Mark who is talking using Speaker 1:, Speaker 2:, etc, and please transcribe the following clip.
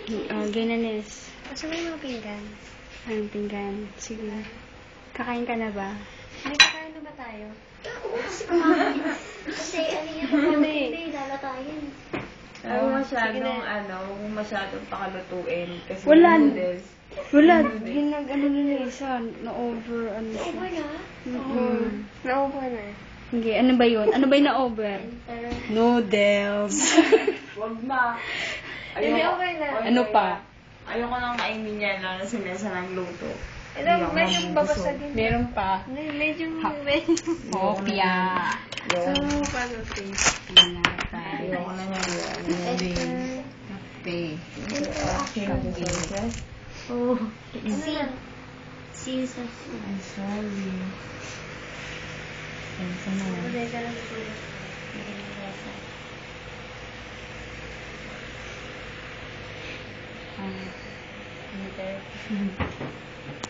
Speaker 1: Ginanis.
Speaker 2: Asa ba yung mga pinggan?
Speaker 1: Anong pinggan? Sige. Kakain ka na ba?
Speaker 2: May kakain na ba tayo? Kasi ano yan, hindi, lalatayin.
Speaker 3: Huwag masyadong pakalutuin. Kasi
Speaker 1: Wala.
Speaker 3: noodles.
Speaker 1: Wala. Ginag-ano na isa. Na-over. Ano siya.
Speaker 2: Over na?
Speaker 1: Na-over na. Hindi. Ano ba yun? Ano ba yung na-over? Noodles.
Speaker 3: Huwag ma.
Speaker 2: Hindi, okay na.
Speaker 1: Ano pa?
Speaker 3: Ayoko nang kainin yan lang na sinesa ng luto.
Speaker 2: Medyo babasagin.
Speaker 1: Meron pa.
Speaker 2: Medyo.
Speaker 1: Kopya.
Speaker 3: Yung
Speaker 2: Paano taste?
Speaker 3: ayoko na yan.
Speaker 1: Kape.
Speaker 3: Oh,
Speaker 2: Ano yan? Season.
Speaker 3: I'm sorry. Pensa na.
Speaker 2: Modesa lang ito.
Speaker 1: Ano?